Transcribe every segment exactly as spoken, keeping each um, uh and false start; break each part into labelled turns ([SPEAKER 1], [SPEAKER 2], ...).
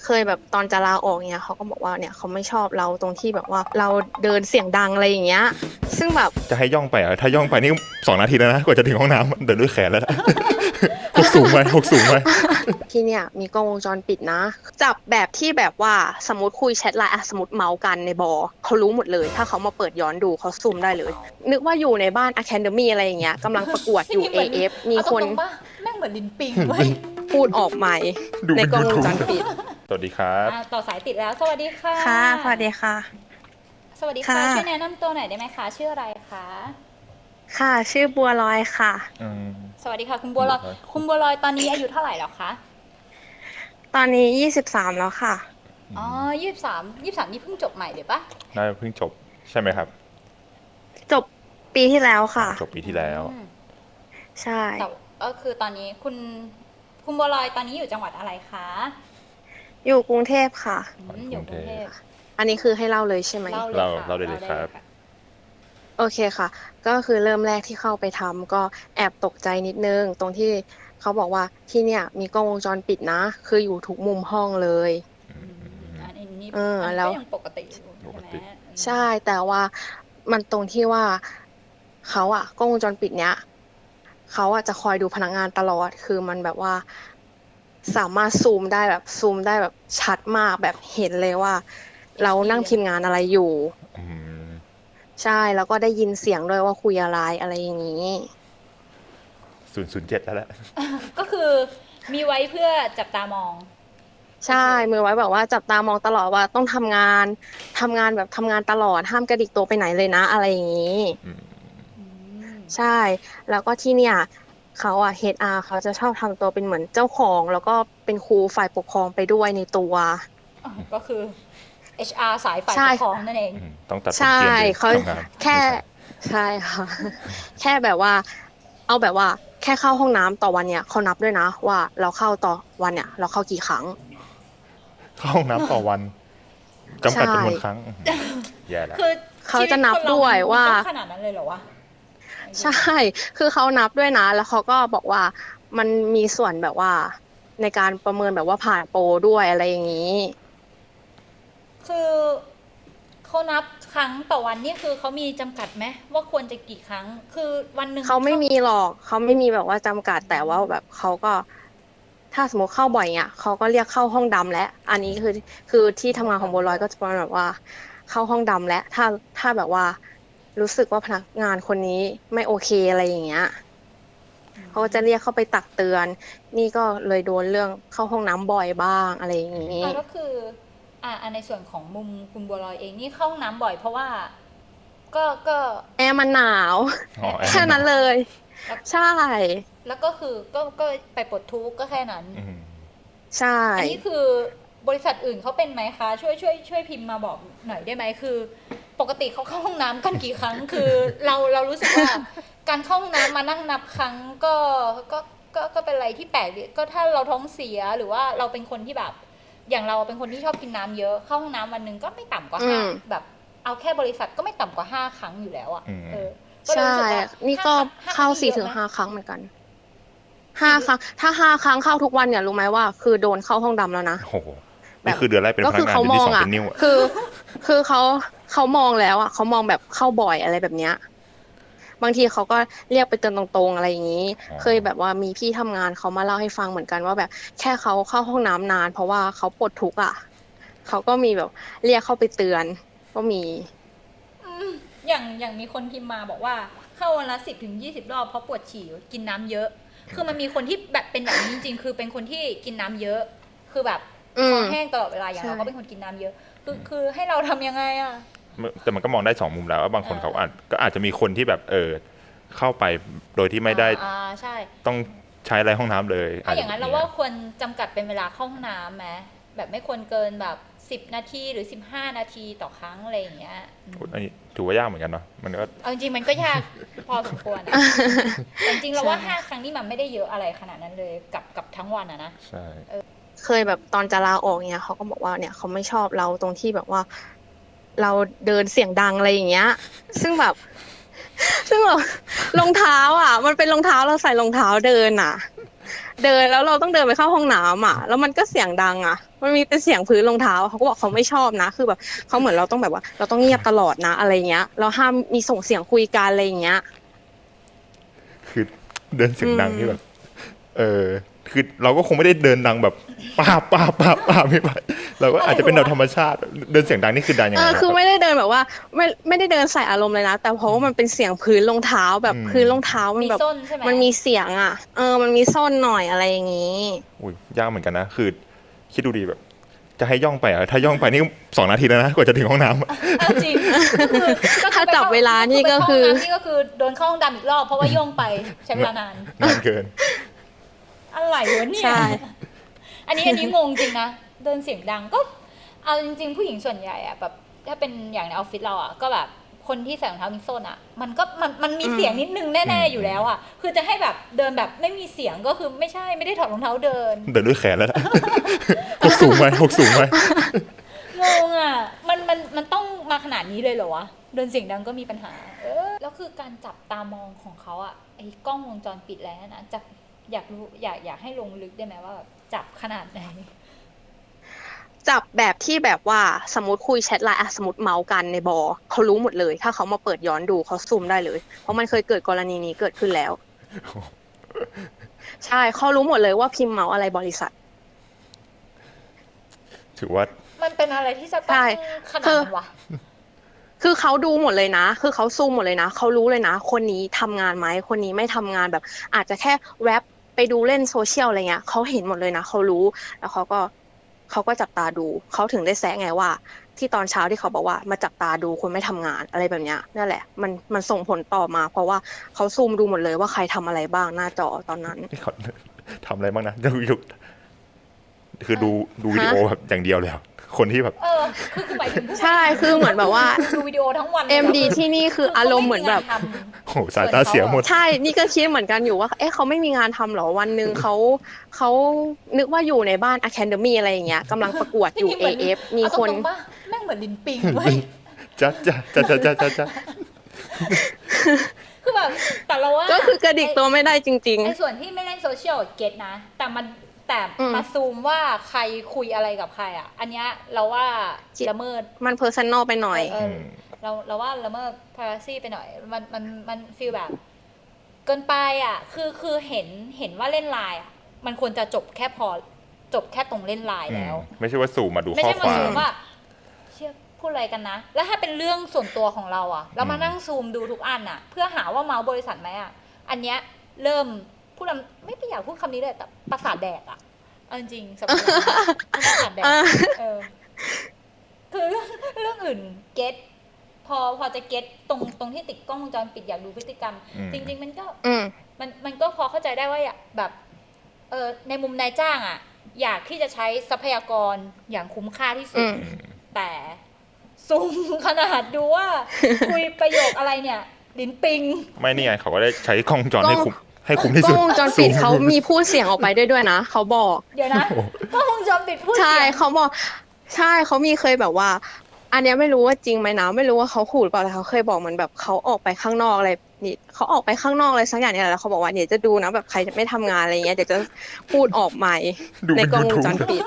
[SPEAKER 1] เคยแบบตอนจะลาออกเนี่ยเขาก็บอกว่าเนี่ยเขาไม่ชอบเราตรงที่แบบว่าเราเดินเสียงดังอะไรอย่างเงี้ยซึ่งแบบ
[SPEAKER 2] จะให้ย่องไปอ่ะถ้าย่องไปนี่สองนาทีแล้วนะกว่าจะถึงห้องน้ำเดินด้วยแขนแล้วนะหกสูงไปหกสูงไป
[SPEAKER 1] ที่เนี่ยมีกล้องวงจรปิดนะจับแบบที่แบบว่าสมมติคุยแชทไลน์อะสมมติเมาส์กันในบอเขารู้หมดเลยถ้าเขามาเปิดย้อนดูเขาซูมได้เลยนึกว่าอยู่ในบ้าน Academy อะไรอย่างเงี้ยกำลังประกวดอยู่ เอ เอฟ มีคน
[SPEAKER 3] เอาตรงๆป่ะแม่งเหมือนลิ้นปิงเว้ย
[SPEAKER 1] พูดออกใหม่
[SPEAKER 2] ดู
[SPEAKER 1] ใน
[SPEAKER 2] เป็น
[SPEAKER 1] กล้องวง
[SPEAKER 2] YouTube
[SPEAKER 1] จรปิด
[SPEAKER 2] สวัสดีครับ
[SPEAKER 3] อ่ะต่อสายติดแล้ว สวัสดีค่ะ
[SPEAKER 1] ค่ะสวัสดีค่ะ
[SPEAKER 3] สวัสดีค่ะ
[SPEAKER 1] ค่ะ
[SPEAKER 3] ช่วยแนะนำตัวหน่อยได้ไหมคะชื่ออะไรคะ
[SPEAKER 1] ค่ะชื่อบัวลอยค่ะ
[SPEAKER 2] อืม
[SPEAKER 3] สวัสดีค่ะคุณบัวลอย
[SPEAKER 2] บัวลอย
[SPEAKER 3] คุณบัวลอยตอนนี้อายุเท่าไหร่แล้วคะ
[SPEAKER 1] ตอนนี้ยี่สิบสามแล้วค่ะ
[SPEAKER 3] อ๋อยี่สิบสามยี่สิบสามนี่เพิ่งจบใหม่เดี๋ยวปะ
[SPEAKER 2] น่าจะเพิ่งจบใช่ไหมครับ
[SPEAKER 1] จบปีที่แล้วค่ะ
[SPEAKER 2] จบปีที่แล้ว
[SPEAKER 3] อืม
[SPEAKER 1] ใช่
[SPEAKER 3] แต่ก็คือตอนนี้คุณคุณบัวลอยตอนนี้อยู่จังหวัดอะไรคะ
[SPEAKER 1] อยู่กรุงเทพค่ะ
[SPEAKER 3] อืมอยู่กรุงเทพ
[SPEAKER 1] อันนี้คือให้เล่าเลยใช่ไหม
[SPEAKER 3] เล่าเลย
[SPEAKER 2] เรา
[SPEAKER 3] ค่ะ
[SPEAKER 2] เราได้เลยครับ
[SPEAKER 3] ค่ะ
[SPEAKER 1] โอเคค่ะ ก็คือเริ่มแรกที่เข้าไปทำก็แอบตกใจนิดนึง ตรงที่เขาบอกว่าที่เนี่ยมีกล้องวงจรปิดนะ คืออยู่ทุกมุมห้องเลย
[SPEAKER 3] อืมอันนี้
[SPEAKER 1] เออ
[SPEAKER 3] อันนี้
[SPEAKER 1] แล้ว
[SPEAKER 3] ก็ยังปกติอยู่
[SPEAKER 2] ปก
[SPEAKER 3] ใช่ไหม
[SPEAKER 2] ติ
[SPEAKER 1] ใช่แต่ว่ามันตรงที่ว่าเขาอะกล้องวงจรปิดเนี้ยเขาอะจะคอยดูพนักงานตลอดคือมันแบบว่า สามารถซูมได้แบบซูมได้แบบชัดมากแบบเห็นเลยว่า เรานั่งพิมพ์งานอะไรอยู่
[SPEAKER 2] อืม
[SPEAKER 1] ใช่แล้วก็ได้ยินเสียงด้วยว่าคุยอะไรอะไรอย่างนี้
[SPEAKER 2] ศูนย์ศูนย์เจ็ดแล้วแหละ
[SPEAKER 3] ก็คือมีไว้เพื่อจับตามอง
[SPEAKER 1] ใช่มือไว้แบบว่าจับตามองตลอดว่าต้องทำงานทำงานแบบทำงานตลอดห้ามกระดิกตัวไปไหนเลยนะ อะไรอย่างนี้
[SPEAKER 2] อืม
[SPEAKER 3] อืม
[SPEAKER 1] ใช่ แล้วก็ที่เนี่ยเขาอะ เอช อาร์ เขาจะชอบทำตัวเป็นเหมือนเจ้าของ แล้วก็เป็นครูฝ่ายปกครองไปด้วยในตัว
[SPEAKER 3] อ๋อก็คือ เอช อาร์ สายฝ่าย
[SPEAKER 1] ใช่
[SPEAKER 3] ปกครองนั่นเอง
[SPEAKER 2] อืมต้องตัดผม
[SPEAKER 1] ใช่
[SPEAKER 2] เกรียนเลย
[SPEAKER 1] เขา
[SPEAKER 2] ทำงาน
[SPEAKER 1] แค่ใช่ค่ะ แค่แบบว่า เอาแบบว่า แค่เข้าห้องน้ำต่อวันเนี่ยเขานับด้วยนะ ว่าเราเข้าต่อวันเนี่ย เราเข้ากี่ครั้ง
[SPEAKER 2] เข้าห้องน้ำต่อวันจำกัดจำนวน
[SPEAKER 1] ใช่
[SPEAKER 2] ครั้งอื้อหือแย่แล้ว
[SPEAKER 3] คือ
[SPEAKER 1] เขาจะนับด้วยว่า
[SPEAKER 3] ต้องขนาดนั้นเลยเหรอวะ
[SPEAKER 1] ใช่ คือเขานับด้วยนะ แล้วเขาก็บอกว่ามันมีส่วนแบบว่า ในการประเมินแบบว่าผ่านโปรด้วยอะไรอย่างนี้
[SPEAKER 3] คือเขานับครั้งต่อวันนี่คือเขามีจำกัดไหมว่าควรจะกี่ครั้ง คือวันหนึ่ง
[SPEAKER 1] เขาไม่มีหรอก เขาไม่มีแบบว่าจำกัดแต่ว่าแบบเขาก็ ถ้าสมมติเข้าบ่อยเนี่ยเขาก็เรียกเข้าห้องดำแล้ว อันนี้คือคือที่ทำงานของบัวลอยก็จะประมาณแบบว่า เข้าห้องดำแล้ว ถ้าถ้าแบบว่า รู้สึกว่าพนักงานคนนี้ไม่โอเคอะไรอย่างเงี้ยเขาก็จะเรียกเข้าไปตักเตือน นี่ก็เลยโดนเรื่องเข้าห้องน้ำบ่อยบ้างอะไรอย่างนี้
[SPEAKER 3] อ่ะก็คือ อ่าในส่วนของมุมคุณบัวลอยเองนี่เข้าห้องน้ำบ่อยเพราะว่า ก็ก็
[SPEAKER 1] แอร์มันหนาว
[SPEAKER 2] อ๋อแอร์
[SPEAKER 1] แค่นั้นเลย ใช่
[SPEAKER 3] แล้วก็คือก็ก็ไปปลดทุกข์ก็แค่นั้น
[SPEAKER 2] อืม
[SPEAKER 1] ใช่
[SPEAKER 3] อันนี้คือบริษัทอื่นเขาเป็นไหมคะ ช่วยช่วยช่วยพิมพ์มาบอกหน่อยได้ไหมคือ ปกติเขาเข้าห้องน้ำกันกี่ครั้ง คือเราเรารู้สึกว่า การเข้าห้องน้ำมานั่งนับครั้งก็ก็ก็ก็เป็นอะไรที่แปลกดีก็ถ้าเราท้องเสียหรือว่าเราเป็นคนที่แบบ อย่างเราเป็นคนที่ชอบกินน้ำเยอะเข้าห้องน้ำวันหนึ่งก็ไม่ต่ำกว่าห้า
[SPEAKER 1] อืม
[SPEAKER 3] แบบเอาแค่บริษัทก็ไม่ต่ำกว่าห้าครั้งอยู่แล้วอ่ะ
[SPEAKER 2] อืม
[SPEAKER 3] เออก็เลย
[SPEAKER 1] ใช่
[SPEAKER 3] รู้สึกว่า
[SPEAKER 1] นี่ก็
[SPEAKER 3] ห้
[SPEAKER 1] เข้า
[SPEAKER 3] ครั้
[SPEAKER 1] สี่
[SPEAKER 3] นี่
[SPEAKER 1] ถึง
[SPEAKER 3] เยอะ
[SPEAKER 1] ห้า
[SPEAKER 3] ไม
[SPEAKER 1] ครั้งเหมือนกันห้าครั้ง ถ้าห้าครั้งเข้าทุกวันเนี่ยรู้ไหมว่า คือโดนเข้าห้องดำแล้วนะ
[SPEAKER 2] โอ้โหนี่คือเดือนแรกเป็นพ
[SPEAKER 1] ก็
[SPEAKER 2] นั
[SPEAKER 1] คื
[SPEAKER 2] กงาน
[SPEAKER 1] เขา
[SPEAKER 2] เดือน
[SPEAKER 1] ม
[SPEAKER 2] ที่
[SPEAKER 1] อง
[SPEAKER 2] สอง
[SPEAKER 1] อ่ะ
[SPEAKER 2] เป็นนิ้วอะ
[SPEAKER 1] คือ คือเขาเขามองแล้วอ่ะเขามองแบบเข้าบ่อยอะไรแบบเนี้ย บางทีเขาก็เรียกไปเตือนตรงๆอะไรอย่างนี้ เคยแบบว่ามีพี่ทำงานเขามาเล่าให้ฟังเหมือนกันว่าแบบ แค่เขาเข้าห้องน้ำนาน เพราะว่าเขาปวดทุกข์อ่ะเขาก็มีแบบเรียกเข้าไปเตือน ก็มี
[SPEAKER 3] อย่างอย่างมีคนพิมพ์มาบอกว่าเข้าวันละสิบถึงยี่สิบรอบเพราะปวดฉี่กินน้ำเยอะ คือมันมีคนที่แบบเป็นแบบนี้จริงๆ คือเป็นคนที่กินน้ำเยอะ คือแบบ
[SPEAKER 1] อืม
[SPEAKER 3] คอแห้งตลอดเวลาอย่าง
[SPEAKER 1] ใช่
[SPEAKER 3] เราก็เป็นคนกินน้ำเยอะ คือคือให้เราทำยังไงอ่ะ
[SPEAKER 2] แต่มันก็มองได้สองมุมแล้วว่าบางคน
[SPEAKER 3] เออ
[SPEAKER 2] เขาอาจก็อาจจะมีคนที่แบบเออเข้าไปโดยที่ไม่ได้
[SPEAKER 3] อ่าใช่
[SPEAKER 2] ต้องใช้อะไรห้องน้ำเลย
[SPEAKER 3] ถ้าอย่างนั้นเราว่าควรจำกัดเป็นเวลาเข้าห้องน้ำไหมแบบไม่ควรเกินแบบสิบนาทีหรือสิบห้านาทีต่อครั้งอะไรอย่างเงี้ยอืม
[SPEAKER 2] อันนี้ถือว่ายากเหมือนกันเนาะมันก็
[SPEAKER 3] เอาจริงๆมันก็ยาก พอสมควรอะแต่จริงๆเราว่าห้าครั้งนี่มันไม่ได้เยอะอะไรขนาดนั้นเลยกับกับทั้งวันอะนะ
[SPEAKER 2] ใช่
[SPEAKER 1] เคยแบบตอนจะลาออกเนี่ยเขาก็บอกว่าเนี่ยเขาไม่ชอบเราตรงที่แบบว่า เราเดินเสียงดังอะไรอย่างเงี้ย ซึ่งแบบ ซึ่งแบบรองเท้าอ่ะ มันเป็นรองเท้าเราใส่รองเท้าเดินอ่ะเดินแล้วเราต้องเดินไปเข้าห้องน้ำอ่ะแล้วมันก็เสียงดังอ่ะมันมีแต่เสียงพื้นรองเท้าเขาก็บอกเขาไม่ชอบนะคือแบบเขาเหมือนเราต้องแบบว่า เราต้องเงียบตลอดนะอะไรเงี้ยเราห้ามมีส่งเสียงคุยกันอะไรเงี้ย
[SPEAKER 2] คือเดินเสียงดังนี่แบบ เออ คือเราก็คงไม่ได้เดินดังแบบป้าบป้าบป้าบป้าบไม่ไปเราก็อาจจะเป็นแบบธรรมชาติ เดินเสียงดังนี่คือดังยัง
[SPEAKER 1] เอ
[SPEAKER 2] ไง
[SPEAKER 1] อ
[SPEAKER 2] นะ
[SPEAKER 1] คือ
[SPEAKER 2] รับ
[SPEAKER 1] ไม่ได้เดินแบบว่าไม่ไม่ได้เดินใส่อารมณ์เลยนะแต่เพราะว่ามันเป็นเสียงพื้นรองเท้าแบบ
[SPEAKER 2] อืม
[SPEAKER 1] พื้นรองเท้ามัน
[SPEAKER 3] มี
[SPEAKER 1] แบบ
[SPEAKER 3] ส้นใช่ไหม
[SPEAKER 1] มันมีเสียงอ่ะเออมันมีส้นหน่อยอะไรอย่างงี้
[SPEAKER 2] อุ้ยยากเหมือนกันนะ คือ คิดดูดีแบบ จะให้ย่องไปอ่ะถ้าย่องไปนี่สองนาทีแล้วนะกว่าจะถึงห้องน้ำอะ
[SPEAKER 3] เอาจริงก็คือก็คือ
[SPEAKER 1] ถ้าจับเวลานี่ก็คือ
[SPEAKER 3] ไปเข้าห้งน้ำนี่ก็คือโดนเข้าห้องดำอีกรอบเพราะว่าย่องไปใช้เวลานาน
[SPEAKER 2] นานเกิน
[SPEAKER 3] อะไรวะเนี่ย
[SPEAKER 1] ใช่
[SPEAKER 3] อันนี้อันนี้งงจริงนะ เดินเสียงดังก็ เอาจริงๆ ผู้หญิงส่วนใหญ่อะแบบถ้าเป็นอย่างในออฟฟิศเราอะก็แบบคนที่ใส่รองเท้ามิโซนอะมันก็มันมันมีเสียงนิดนึงแน่
[SPEAKER 2] อืม
[SPEAKER 3] ๆอยู่แล้วอะคือจะให้แบบเดินแบบไม่มีเสียงก็คือไม่ใช่ไม่ได้ถอดรองเท้าเดิน
[SPEAKER 2] เดินด้วยแขนแล้วนะ หกสูงไหมหกสูงไหม
[SPEAKER 3] งงอ่ะ มันมันมันต้องมาขนาดนี้เลยเหรอวะ เดินเสียงดังก็มีปัญหา เออ แล้วคือการจับตามองของเขาอ่ะ ไอ้กล้องวงจรปิดแล้วนะจับอยากรู้อยากอยากให้ลงลึกได้ไหมว่าแบบจับขนาดไหน
[SPEAKER 1] จับแบบที่แบบว่าสมมติคุยแชทไลน์อะสมมติเมาส์กันในบอเขารู้หมดเลย ถ้าเขามาเปิดย้อนดูเขาซูมได้เลย เพราะมันเคยเกิดกรณีนี้เกิดขึ้นแล้ว ใช่เขารู้หมดเลยว่าพิมพ์เมาส์อะไรบริษัท
[SPEAKER 2] ถือว่า
[SPEAKER 3] มันเป็นอะไรที่จะต้อ
[SPEAKER 1] ใช่
[SPEAKER 3] งขนาดนั้นวะ
[SPEAKER 1] คือเขาดูหมดเลยนะ คือเขาซูมหมดเลยนะ เขารู้เลยนะ คนนี้ทำงานไหม คนนี้ไม่ทำงานแบบ อาจจะแค่แวบไปดูเล่นโซเชียลอะไรเงี้ย เขาเห็นหมดเลยนะ เขารู้ แล้วเขาก็เขาก็จับตาดู เขาถึงได้แซะไงว่า ที่ตอนเช้าที่เขาบอกว่ามาจับตาดูคนไม่ทำงานอะไรแบบเนี้ยนั่นแหละ มันมันส่งผลต่อมา เพราะว่าเขาซูมดูหมดเลยว่าใครทำอะไรบ้างหน้าจอตอนนั้น
[SPEAKER 2] เขาทำอะไรบ้างนะดูอยู่คือดูดูวิดีโอแบบอย่างเดียวเลยอะคนที่แบบ
[SPEAKER 3] เออ คือคือหมายถึงผู้
[SPEAKER 1] ใช่ คือเหมือนแบบว่า
[SPEAKER 3] ดูวิดีโอทั้งวันลย
[SPEAKER 1] เอ็ม ดี
[SPEAKER 3] คื
[SPEAKER 1] ที่นี่คืออารมณ์เหมือนแบบ
[SPEAKER 3] ขาไงานท
[SPEAKER 2] โหสายตาเสียหมด
[SPEAKER 1] ใช่ นี่ก็คิดเหมือนกันอยู่ว่า เอ๊ะเขาไม่มีงานทำเหรอ วันหนึ่งเขาเขานึกว่าอยู่ในบ้าน Academy อะไรอย่างเงี้ยกำลังประกวด
[SPEAKER 3] ำ
[SPEAKER 1] อยู่
[SPEAKER 3] นี่เห
[SPEAKER 1] เอ
[SPEAKER 3] มืน
[SPEAKER 1] เอฟ มี
[SPEAKER 3] เอา
[SPEAKER 1] คน
[SPEAKER 3] ตรงๆปะแม่งเหมือนลินปิงเว้ย
[SPEAKER 2] จ้าจ้าจ้าจ้าจ้าจ้าจ้า
[SPEAKER 3] คือแบบแต่เราว่า
[SPEAKER 1] ก็คือกระดิกตัวไม่ได้จริง
[SPEAKER 3] ไอ้ส่วนที่ไม่เล่นโซเชียลเก็ตนะ แต่มันแต่
[SPEAKER 1] อืม
[SPEAKER 3] มาซูมว่าใครคุยอะไรกับใครอ่ะ อันเนี้ยเราว่าละเมิด
[SPEAKER 1] ๆ มันเพอร์ซันนอลไปหน่อย
[SPEAKER 3] เออเราเราว่าละเมิด privacy ไปหน่อย มันมันมันฟีลแบบ เกินไปอ่ะ คือคือเห็นเห็นว่าเล่นไลน์อ่ะ มันควรจะจบแค่พอจบแค่ตรงเล่นไลน์แล้ว
[SPEAKER 2] ไม่ใช่ว่าสู่มาดู
[SPEAKER 3] ไม่
[SPEAKER 2] ข้อ
[SPEAKER 3] ใช่
[SPEAKER 2] ค
[SPEAKER 3] มา
[SPEAKER 2] วา
[SPEAKER 3] ซู
[SPEAKER 2] ม
[SPEAKER 3] มว่าเชื่อพูดอะไรกันนะ แล้วถ้าเป็นเรื่องส่วนตัวของเราอะแล้วมา
[SPEAKER 2] อืม
[SPEAKER 3] นั่งซูมดูทุกอันอะเพื่อหาว่าเมาส์บริษัทไหมอะอันเนี้ยเริ่มพูดลำไม่ไปอยากพูดคำนี้เลยแต่ประสาทแดกอะเอาจริงๆสำหรับเราประสาทแดกเออคือเรื่องเรื่องอื่นเก็ตพอพอจะเก็ตตรงตรงที่ติดกล้องวงจรปิดอยากดูพฤติกรรม
[SPEAKER 2] อืม
[SPEAKER 3] จริง ๆ มันก็
[SPEAKER 1] อืม
[SPEAKER 3] มันมันก็พอเข้าใจได้ว่าอยากแบบเออในมุมนายจ้างอ่ะ อยากที่จะใช้ทรัพยากรอย่างคุ้มค่าที่สุด
[SPEAKER 1] อืม
[SPEAKER 3] แต่ซูมขนาดดูว่า คุยประโยคอะไรเนี่ย ลิ้นปิง
[SPEAKER 2] ไม่นี่ไงเขาก็ได้ใช้กล้องวงจรให้
[SPEAKER 1] กล้อง
[SPEAKER 2] คุ้มให้คุ้มที่
[SPEAKER 1] กล้
[SPEAKER 2] สุ
[SPEAKER 1] อ
[SPEAKER 2] ด
[SPEAKER 1] งวงจรปิดเขามีพูดเสียงออกไปด้วยด้วยนะ เขาบอก
[SPEAKER 3] เดี๋ยวนะก็วงจรปิดพูด
[SPEAKER 1] ใช่
[SPEAKER 3] เสียง
[SPEAKER 1] เขาบอก ใช่เขามีเคยแบบว่า อันเนี้ยไม่รู้ว่าจริงไหมนะไม่รู้ว่าเขาขู่หรือเปล่าแต่เขาเคยบอกเหมือนแบบเขาออกไปข้างนอกอะไรนี่เขาออกไปข้างนอกอะไรสักอย่างเนี่ยแหละแล้วเขาบอกว่าเดี๋ยวจะดูนะแบบใครจะไม่ทำงานอะไรเงี้ยเดี๋ยวจะพูดออกใหม่
[SPEAKER 2] ดู
[SPEAKER 1] ใน
[SPEAKER 2] เป็น
[SPEAKER 1] กล้องวง
[SPEAKER 2] YouTube
[SPEAKER 1] จรปิด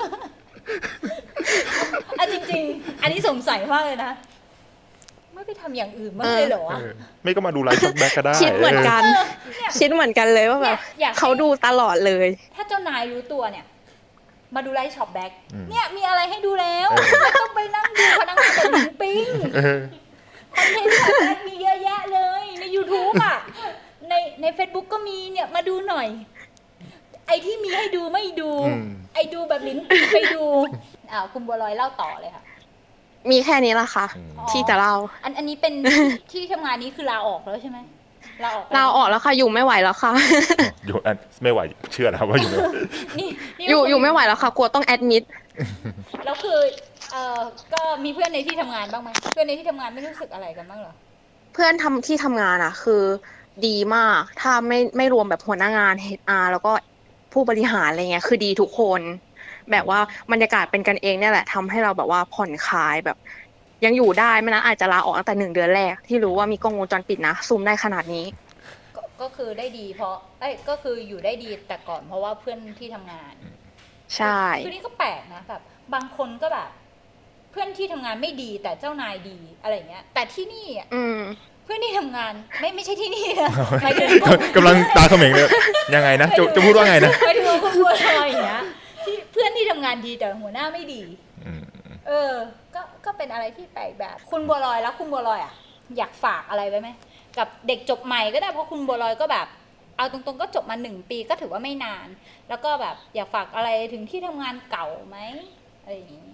[SPEAKER 3] อ่ะจริง ๆ อันนี้สงสัยมากเลยนะ ไม่ไปทำอย่างอื่นบ้างเลยเหรอวะ
[SPEAKER 2] เออไม่ก็มาดูไลฟ์ช็อตแบ็กก็ได้
[SPEAKER 1] คิดเหมือนกัน
[SPEAKER 3] เนี่ย
[SPEAKER 1] คิดเหมือนกันเลยว่าแบบ
[SPEAKER 3] อยากให้
[SPEAKER 1] เขาดูตลอดเลย
[SPEAKER 3] ถ้าเจ้านายรู้ตัวเนี่ย มาดูไลฟ์ช็อปแบ็ก
[SPEAKER 2] อืม
[SPEAKER 3] เนี่ยมีอะไรให้ดูแล้ว
[SPEAKER 2] เออ
[SPEAKER 3] ไม่ต้องไปนั่งดูพนักงานแต่ลิ้นปิง
[SPEAKER 2] เออ
[SPEAKER 3] คอนเทนต์ช็อปแบ็กมีเยอะแยะเลยใน YouTube อ่ะ ในใน Facebook ก็มีเนี่ยมาดูหน่อย ไอที่มีให้ดูไม่ดู
[SPEAKER 2] อืม
[SPEAKER 3] ไอดูแบบลิ้นปีไปดูอ้าวคุณบัวลอยเล่าต่อเลยค่ะ
[SPEAKER 1] มีแค่นี้ละค่ะ
[SPEAKER 2] อืม
[SPEAKER 1] ที่จะเล่า
[SPEAKER 3] อันอันนี้เป็น ที่ทำงานนี้คือลาออกแล้วใช่ไหมลาออกไป
[SPEAKER 1] เราออกแล้วค่ะ อยู่ไม่ไหวแล้วค่ะ
[SPEAKER 2] อยู่อันไม่ไหวเชื่อแล้วว่าอยู่ไม่ไหว
[SPEAKER 3] นี่นี่
[SPEAKER 1] อยู่
[SPEAKER 3] ก็คื
[SPEAKER 1] อยู่ไม่ไหวแล้วค่ะกลัวต้องแอดมิด
[SPEAKER 3] แล้วคือเอ่อก็มีเพื่อนในที่ทำงานบ้างไหมเพื่อนในที่ทำงานไม่รู้สึกอะไรกันบ้างเหรอ
[SPEAKER 1] เพื่อนทำที่ทำงานอ่ะ คือดีมาก ถ้าไม่ไม่รวมแบบหัวหน้างาน เอช อาร์ แล้วก็ผู้บริหารอะไรเงี้ย คือดีทุกคน แบบว่าบรรยากาศเป็นกันเองเนี่ยแหละทำให้เราแบบว่าผ่อนคลายแบบ ยังอยู่ได้ไม่นั้นอาจจะลาออกตั้งแต่หนึ่งเดือนแรก ที่รู้ว่ามีกล้องวงจรปิดนะซูมได้ขนาดนี้
[SPEAKER 3] ก็ก็คือได้ดี เพราะเอ้ยก็คืออยู่ได้ดีแต่ก่อนเพราะว่าเพื่อนที่ทำงาน
[SPEAKER 1] ใช่
[SPEAKER 3] คือนี่ก็แปลกนะแบบบางคนก็แบบ เพื่อนที่ทำงานไม่ดีแต่เจ้านายดีอะไรเงี้ย แต่ที่นี่อ่ะ
[SPEAKER 1] อืม
[SPEAKER 3] เพื่อนที่ทำงานไม่ไม่ใช่ที่นี่นะหมายถึง
[SPEAKER 2] กำลังตาเขม็งเลยยังไงนะจะจะพูดว่าไงนะ
[SPEAKER 3] หมายถึงว่าคุณบัวลอยอย่างเงี้ยที่เพื่อนที่ทำงานดีแต่หัวหน้าไม่ดี
[SPEAKER 2] อืม
[SPEAKER 3] เออ ก็ก็เป็นอะไรที่แปลกแบบ คุณบัวลอยแล้วคุณบัวลอยอ่ะอยากฝากอะไรไว้ไหมกับเด็กจบใหม่ก็ได้เพราะคุณบัวลอยก็แบบ เอาตรงๆก็จบมาหนึ่งปีก็ถือว่าไม่นาน แล้วก็แบบอยากฝากอะไรถึงที่ทำงานเก่าไหมอะไรอย่างนี้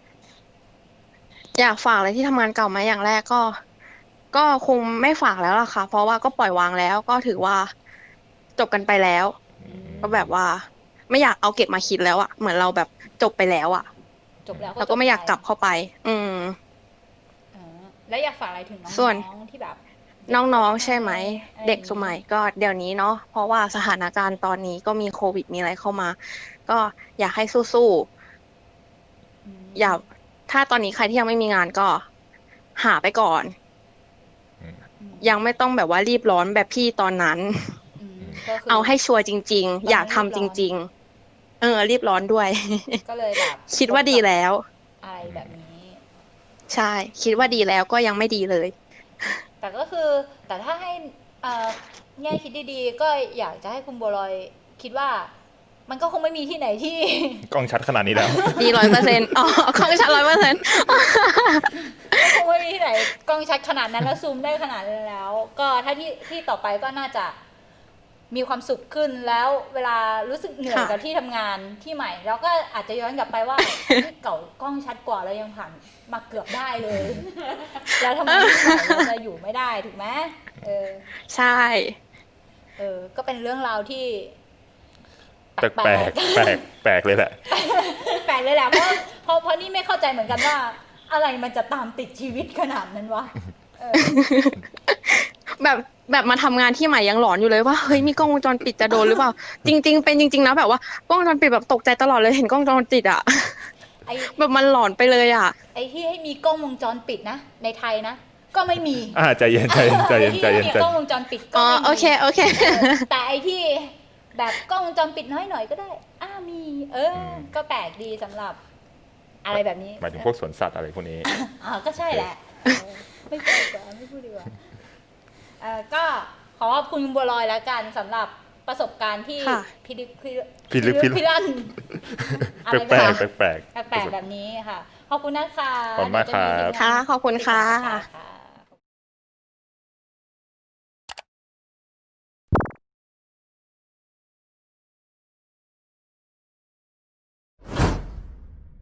[SPEAKER 1] อยากฝากอะไรที่ทำงานเก่าไหมอย่างแรกก็ ก็คงไม่ฝากแล้วล่ะค่ะ เพราะว่าก็ปล่อยวางแล้ว ก็ถือว่าจบกันไปแล้ว ก็แบบว่า ไม่อยากเอาเก็บมาคิดแล้วอะเหมือนเราแบบจบไปแล้วอะ
[SPEAKER 3] จบแล้ว
[SPEAKER 1] แล้วก็ไม่อยากกลับเข้าไป อืม
[SPEAKER 3] เออแล้วอยากฝากอะไรถึงน้
[SPEAKER 1] ส่วน
[SPEAKER 3] องๆที่แบบ
[SPEAKER 1] น้องๆใช่ไหม
[SPEAKER 3] อะไร
[SPEAKER 1] เด็กสมัยก็เดี๋ยวนี้เนาะเพราะว่าสถานการณ์ตอนนี้ก็มีโควิดมีอะไรเข้ามา ก็อยากให้สู้
[SPEAKER 3] อืม
[SPEAKER 1] ๆอย่าถ้าตอนนี้ใครที่ยังไม่มีงานก็หาไปก่อน
[SPEAKER 3] อืม
[SPEAKER 1] ยังไม่ต้องแบบว่ารีบร้อนแบบพี่ตอนนั้น
[SPEAKER 3] อืมก็คื
[SPEAKER 1] เอาให้ชัวร์จริง
[SPEAKER 3] เรา
[SPEAKER 1] ๆ อยาก
[SPEAKER 3] ไม่
[SPEAKER 1] ทำ
[SPEAKER 3] รีบร้อน
[SPEAKER 1] จริง ๆ เออ รีบร้อนด้วย
[SPEAKER 3] ก็เลยแบบ
[SPEAKER 1] คิดว่าดีแล้ว
[SPEAKER 3] อะไรแบบนี้
[SPEAKER 1] ใช่ คิดว่าดีแล้วก็ยังไม่ดีเลย
[SPEAKER 3] แต่ก็คือแต่ถ้าให้เอ่อแง่คิดดีๆ ก็อยากจะให้คุณบัวลอยคิดว่า มันก็คงไม่มีที่ไหนที่
[SPEAKER 2] กล้องชัดขนาดนี้แล้ว
[SPEAKER 1] ดีร้อยเปอร์เซ็นต์อ๋อของฉันร้อยเปอร์เซ็นต์
[SPEAKER 3] คงไม่มีที่ไหนกล้องชัดขนาดนั้นแล้วซูมได้ขนาดนั้นแล้ว ก็ถ้าที่ที่ต่อไปก็น่าจะมีความสุขขึ้นแล้วเวลารู้สึกเหนื่อย
[SPEAKER 1] ค่ะ
[SPEAKER 3] กับที่ทำงานที่ใหม่เราก็อาจจะย้อนกลับไปว่า ที่เก่ากล้องชัดกว่าเรายังผ่านมาเกือบได้เลย แล้วทำไมที่ใหม่เราจะอยู่ไม่ได้ถูกไหมเออ
[SPEAKER 1] ใช่
[SPEAKER 3] เออ ก็เป็นเรื่องราวที่
[SPEAKER 2] แปลกแปลกแปลกแปลกเลยแหละ
[SPEAKER 3] แปลกเลยแหละเพราะเพราะเพราะนี่ไม่เข้าใจเหมือนกันว่า อะไรมันจะตามติดชีวิตขนาดนั้นวะเออ
[SPEAKER 1] แบบแบบมาทำงานที่ใหม่ยังหลอนอยู่เลยว่าเฮ้ยมีกล้องวงจรปิดจะโดนหรือเปล่า จริง ๆ เป็นจริง ๆ นะแบบว่ากล้องวงจรปิดแบบตกใจตลอดเลยเห็นกล้องวงจรปิดอะ
[SPEAKER 3] ไอ้
[SPEAKER 1] แบบมันหลอนไปเลยอะ
[SPEAKER 3] ไอ้ที่ให้มีกล้องวงจรปิดนะในไทยนะก็ไม่มี
[SPEAKER 2] อ่าใจเย็นใจเย็นใจเย็น
[SPEAKER 3] ไอ้ที่
[SPEAKER 2] ใจเย็น
[SPEAKER 3] มี
[SPEAKER 2] ใจ
[SPEAKER 3] กล้อง
[SPEAKER 2] เย็น
[SPEAKER 3] วงจรปิดก็
[SPEAKER 1] อ๋อ
[SPEAKER 3] ไม่มี
[SPEAKER 1] โอเคโอเค
[SPEAKER 3] เออแต่ไอ้ที่แบบกล้องวงจรปิดน้อยหน่อยก็ได้อ้ามี เออ ก็แปลกดีสำหรับ อะไรแบบนี้
[SPEAKER 2] หมายถึงพวกสวนสัตว์อะไรพวกนี้
[SPEAKER 3] อ่าก็ใช่แหละเออไม่พูดดีกว่าไม่พูดดีกว่าเออก็ขอขอบคุณคุณบัวลอยแล้วกันสำหรับประสบการณ์ที่
[SPEAKER 1] ค่ะ
[SPEAKER 3] พิลึกพิ
[SPEAKER 2] พิลึกพิลั่น
[SPEAKER 3] พิลั่นอะไร
[SPEAKER 2] แปลก
[SPEAKER 3] แบบ
[SPEAKER 2] แปลกแปลก
[SPEAKER 3] แปลกๆแบบนี้ค่ะ ขอบคุณนะคะ
[SPEAKER 2] ขอบคุณมากครับ
[SPEAKER 3] เดี๋ยวจะ
[SPEAKER 1] ค่ะขอบคุณค่ะ
[SPEAKER 3] ค่ะ